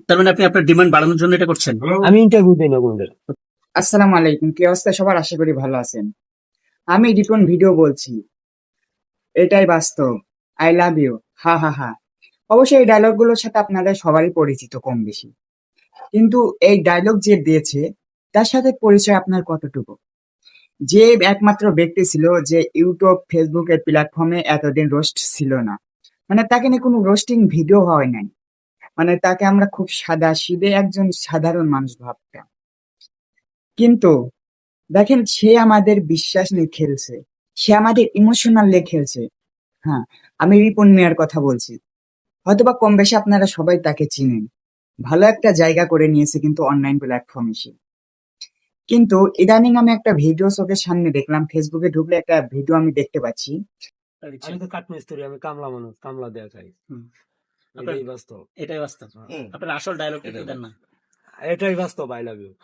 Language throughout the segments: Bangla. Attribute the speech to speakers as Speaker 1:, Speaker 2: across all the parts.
Speaker 1: তার মানে আপনি আপনার ডিমান্ড বাড়ানোর জন্য এটা করছেন?
Speaker 2: আমি ইন্টারভিউ দিই না কোনদের।
Speaker 3: আসসালামু আলাইকুম, কি অবস্থা সবার? আশা করি ভালো আছেন। আমি রিপন ভিডিও বলছি, এটাই বাস্তব, আই লাভ ইউ, হা হা হা। অবশ্যই এই ডায়লগ গুলোর সাথে আপনারা সবারই পরিচিত কম বেশি, কিন্তু এই ডায়লগ যে দিয়েছে তার সাথে পরিচয় আপনার কতটুকু? যে একমাত্র ব্যক্তি ছিল যে ইউটিউব ফেসবুকের প্ল্যাটফর্মে এতদিন রোস্ট ছিল না, মানে তাকে নিয়ে কোনো রোস্টিং ভিডিও হয় নাই, মানে তাকে আমরা খুব সাদা সিধে একজন সাধারণ মানুষ ভাবতাম, কিন্তু দেখেন সে আমাদের বিশ্বাস নিয়ে খেলছে, সে আমাদের ইমোশনাল নিয়ে খেলছে। হ্যাঁ, আমি রিপন মিয়ার কথা বলছি। হয়তোবা কম বেশি আপনারা সবাই তাকে চিনেন, ভালো একটা জায়গা করে নিয়েছে কিন্তু অনলাইন প্ল্যাটফর্ম এসে। কিন্তু ইদানিং আমি একটা ভিডিও চোখের সামনে দেখলাম, ফেসবুকে ঢুকলে একটা ভিডিও আমি দেখতে পাচ্ছি।
Speaker 2: আমি তো কাঠমিস্ত্রি, আমি কামলা মানুষ, কামলা দেয়া খাই।
Speaker 1: আপনার-
Speaker 2: এটাই বাস্তব,
Speaker 1: এটাই বাস্তব। আপনার আসল ডায়লগ একটু দেন না।
Speaker 2: এটাই বাস্তব। I love you.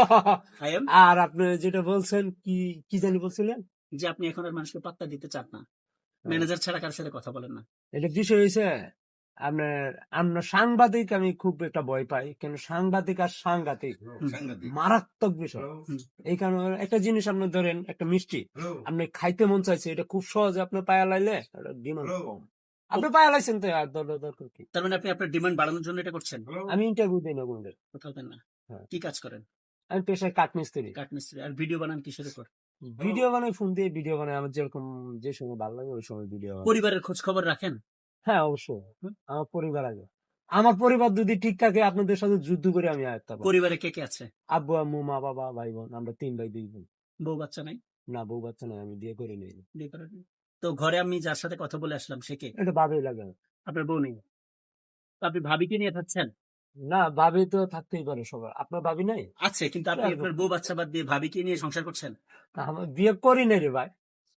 Speaker 1: I am
Speaker 2: আর আপনি যেটা বলছেন কি কি জানি বলছিলেন,
Speaker 1: যে আপনি এখন আর মানুষকে পাত্তা দিতে চান না, ম্যানেজার ছাড়া কার সাথে কথা বলেন না।
Speaker 2: এটা বিষয় হয়েছে আপনার আপনার সাংবাদিক আমি খুব একটা ভয় পাই, কেন সাংবাদিক আর সাংঘাতিক মারাত্মক বিষয়। এই কারণে একটা জিনিস আপনি ধরেন একটা মিষ্টি আপনি খাইতে মন চাইছে, এটা খুব সহজে আপনি পায়া লাইলে ডিমান্ড কম, আপনি পায়া লাইছেন তো আর দরকার কি?
Speaker 1: তার মানে আপনি আপনার ডিমান্ড বাড়ানোর জন্য এটা করছেন?
Speaker 2: আমি ইন্টারভিউ দিই না কোনদের।
Speaker 1: কোথাও দেন না?
Speaker 2: হ্যাঁ।
Speaker 1: কি কাজ করেন?
Speaker 2: আমি পেশায় কাঠমিস্ত্রি।
Speaker 1: কাঠমিস্ত্রি। আর ভিডিও বানান কিসের উপর?
Speaker 2: ভিডিও বানাই, ফোন দিয়ে ভিডিও বানাই, আমার যেরকম যে সময় ভালো লাগে ওই সময় ভিডিও বানাই।
Speaker 1: পরিবারের খোঁজ খবর রাখেন?
Speaker 2: হ্যাঁ অবশ্যই, আমার পরিবার আগে। আমার পরিবার যদি ঠিক থাকে আপনাদের সাথে যুদ্ধ করে আমি আয়ত্ত পাবো।
Speaker 1: পরিবারে কে কে আছে?
Speaker 2: আব্বু আম্মু মা বাবা ভাই বোন, আমরা 3 ভাই 2 বোন।
Speaker 1: বউ বাচ্চা নাই?
Speaker 2: না বউ বাচ্চা নাই, আমি বিয়ে করে নিই।
Speaker 1: বিয়ে করেননি? তো ঘরে আমি যার সাথে কথা বলে আসলাম সে কে?
Speaker 2: এটা ভাবেই লাগে না।
Speaker 1: আপনার বউ নেই? তো আপনি ভাবিকে নিয়ে থাকছেন?
Speaker 2: না ভাবি তো থাকতেই পারে সবার, আপনার ভাবি নাই?
Speaker 1: আছে, কিন্তু আপনি আপনার বউ বাচ্চা বাদ দিয়ে ভাবিকে নিয়ে সংসার করছেন?
Speaker 2: আমার বিয়ে করি নাই রে ভাই,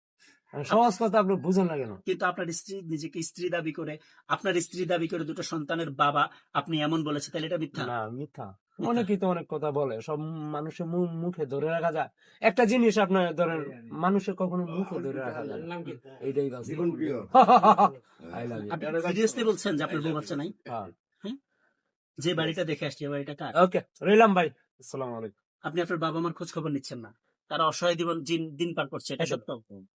Speaker 2: সহজ কথা আপনি বুঝেন না কেন?
Speaker 1: কিন্তু আপনার স্ত্রী নিজেকে স্ত্রী দাবি করে, আপনার স্ত্রী দাবি করে দুটো সন্তানের বাবা আপনি এমন বলেছে, তাহলে এটা মিথ্যা?
Speaker 2: না মিথ্যা। অনেকেই তো অনেক কথা বলে, সব মানুষের মুখে ধরে রাখা যায় একটা জিনিস, আপনার ধরেন মানুষের কখনো মুখে ধরে রাখা যায় না। এইটাই I love you.
Speaker 1: আপনি সিরিয়াসলি বলছেন যে আপনার বউ বাচ্চা নাই?
Speaker 2: হ্যাঁ।
Speaker 1: যে বাড়িটা দেখে আসছি এই বাড়িটা কার?
Speaker 2: ওকে, রইলাম ভাই, আসসালামু আলাইকুম।
Speaker 1: আপনি আপনার বাবা মার খোঁজ খবর নিচ্ছেন না, তারা অসহায় দিন পার করছে, এটা সত্য?